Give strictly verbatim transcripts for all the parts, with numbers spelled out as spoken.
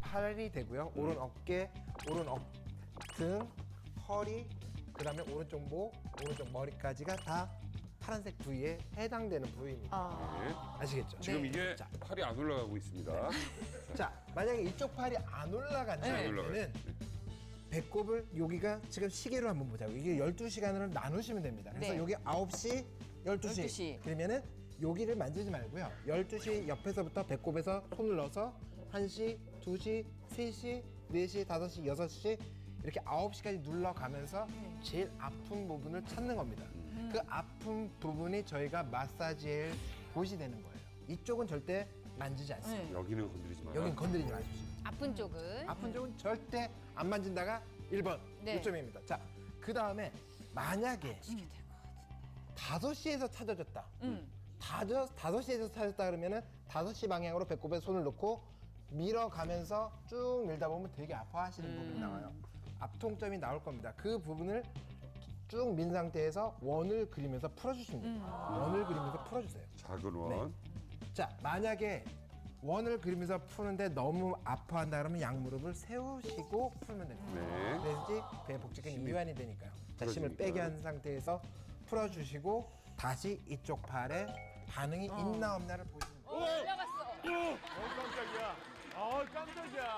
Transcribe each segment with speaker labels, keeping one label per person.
Speaker 1: 팔이 되고요. 오른 어깨, 오른 어, 등, 허리, 그다음에 오른쪽 목, 오른쪽 머리까지가 다 파란색 부위에 해당되는 부위입니다.
Speaker 2: 아.
Speaker 3: 네.
Speaker 1: 아시겠죠?
Speaker 3: 지금
Speaker 2: 네.
Speaker 3: 이게 팔이 안 올라가고 있습니다.
Speaker 1: 자, 만약에 이쪽 팔이 안 올라간다면
Speaker 3: 안 올라가요.
Speaker 1: 배꼽을 여기가 지금 시계로 한번 보자고. 이게 열두 시간으로 나누시면 됩니다. 그래서
Speaker 2: 네.
Speaker 1: 여기 아홉 시, 열두 시.
Speaker 2: 열두 시.
Speaker 1: 그러면은 여기를 만지지 말고요. 열두 시 옆에서부터 배꼽에서 손을 넣어서 한 시, 두 시, 세 시, 네 시, 다섯 시, 여섯 시 이렇게 아홉 시까지 눌러가면서 제일 아픈 부분을 찾는 겁니다. 그 아픈 부분이 저희가 마사지할 곳이 되는 거예요. 이쪽은 절대 만지지 않습니다.
Speaker 2: 네.
Speaker 3: 여기는 건드리지 마라.
Speaker 1: 여긴 건드리지 마십시오.
Speaker 4: 아픈 쪽은
Speaker 1: 아픈 쪽은 절대 안 만진다가 일 번
Speaker 4: 네.
Speaker 1: 요점입니다. 자, 그 다음에 만약에 다섯 시에서 찾아졌다.
Speaker 2: 음.
Speaker 1: 다섯, 다섯 시에서 찾았다 그러면은 다섯 시 방향으로 배꼽에 손을 놓고 밀어가면서 쭉 밀다 보면 되게 아파하시는 부분이 나와요. 앞통점이 나올 겁니다. 그 부분을 쭉 민 상태에서 원을 그리면서 풀어주시면 됩니다. 원을 그리면서 풀어주세요.
Speaker 3: 작은 원.
Speaker 1: 자, 만약에 원을 그리면서 푸는데 너무 아파한다 그러면 양무릎을 세우시고 풀면 됩니다.
Speaker 3: 네.
Speaker 1: 그래야지 배에 복직근이 이완이 되니까요. 자, 힘을
Speaker 3: 풀어지니까.
Speaker 1: 빼게 한 상태에서 풀어주시고 다시 이쪽 팔에 반응이 있나 없나를 보시면 돼요.
Speaker 2: 올라갔어.
Speaker 5: 깜짝이야. 아, 깜짝이야.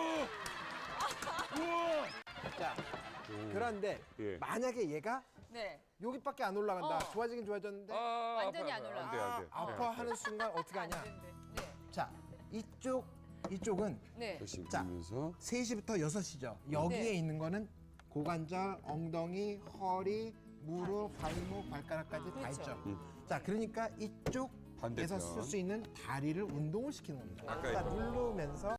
Speaker 1: 자, 그런데
Speaker 3: 예.
Speaker 1: 만약에 얘가
Speaker 2: 네.
Speaker 1: 여기밖에 안 올라간다.
Speaker 2: 어.
Speaker 1: 좋아지긴 좋아졌는데
Speaker 3: 아,
Speaker 2: 완전히
Speaker 3: 아파요,
Speaker 2: 안 올라가.
Speaker 3: 안 돼, 안 돼.
Speaker 1: 아파하는 순간 어떻게 하냐.
Speaker 2: 네.
Speaker 1: 자, 이쪽, 이쪽은
Speaker 2: 네.
Speaker 3: 열심히
Speaker 1: 자.
Speaker 3: 들면서
Speaker 1: 세 시부터 여섯 시죠. 여기에
Speaker 2: 네.
Speaker 1: 있는 거는 고관절, 엉덩이, 허리, 무릎, 발목, 발가락까지 다
Speaker 2: 그렇죠.
Speaker 1: 있죠.
Speaker 3: 음.
Speaker 1: 자, 그러니까 이쪽에서
Speaker 3: 반대편.
Speaker 1: 쓸 수 있는 다리를 운동을 시키는 겁니다.
Speaker 3: 아까
Speaker 1: 그러니까
Speaker 3: 했던
Speaker 1: 누르면서